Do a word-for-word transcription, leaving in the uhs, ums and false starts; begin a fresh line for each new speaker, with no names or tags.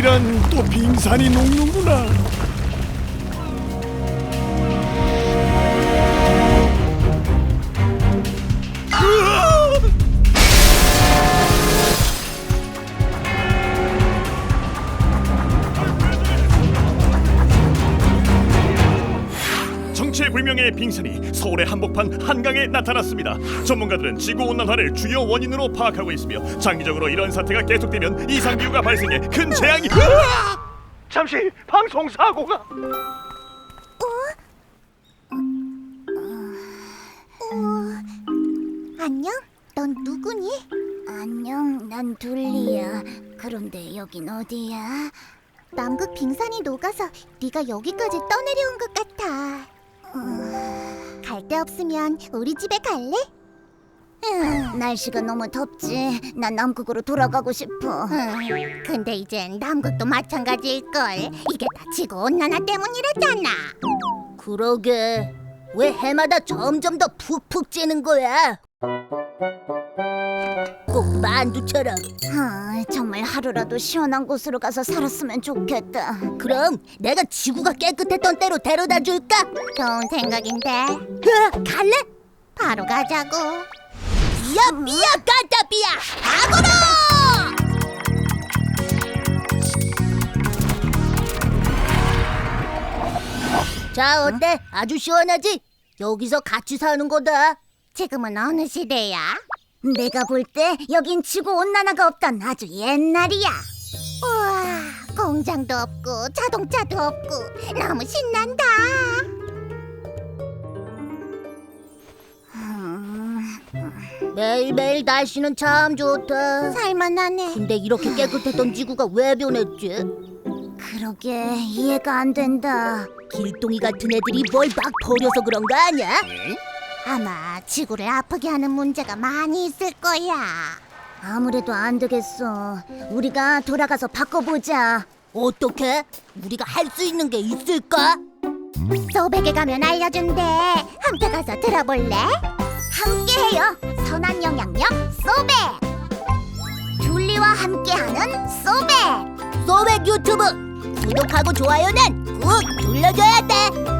이런, 또 빙산이 녹는구나.
정체불명의 빙산이 서울의 한복판 한강에 나타났습니다. 전문가들은 지구온난화를 주요 원인으로 파악하고 있으며 장기적으로 이런 사태가 계속되면 이상기후가 발생해 큰 재앙이... 으아! 잠시 방송 사고가...
안녕? 넌 누구니?
안녕, 난 둘리야. 그런데 여긴 어디야?
남극 빙산이 녹아서 네가 여기까지 떠내려온 것 같아. 갈 데 없으면 우리 집에 갈래?
음, 날씨가 너무 덥지. 난 남극으로 돌아가고 싶어.
음, 근데 이젠 남극도 마찬가지일걸. 이게 다 지구온난화 때문이라잖아.
그러게. 왜 해마다 점점 더 푹푹 찌는 거야? 꼭 만두처럼. 아, 정말 하루라도 시원한 곳으로 가서 살았으면 좋겠다. 그럼 내가 지구가 깨끗했던 때로 데려다 줄까?
좋은 생각인데.
으아, 갈래?
바로 가자고.
삐야 삐야 까따 삐야 악어로! 자, 어때? 아주 시원하지? 여기서 같이 사는 거다.
지금은 어느 시대야?
내가 볼 때 여긴 지구온난화가 없던 아주 옛날이야.
우와, 공장도 없고 자동차도 없고 너무 신난다.
매일매일 날씨는 참 좋다.
살만하네.
근데 이렇게 깨끗했던 지구가 왜 변했지? 그러게 이해가 안 된다. 길동이 같은 애들이 뭘 막 버려서 그런 거 아니야?
아마 지구를 아프게 하는 문제가 많이 있을 거야.
아무래도 안 되겠어. 우리가 돌아가서 바꿔보자. 어떻게? 우리가 할 수 있는 게 있을까?
소백에 가면 알려준대. 함께 가서 들어볼래?
함께해요. 선한 영향력 소백. 둘리와 함께하는 소백. 소백 유튜브 구독하고 좋아요는 꾹 눌러줘야 돼.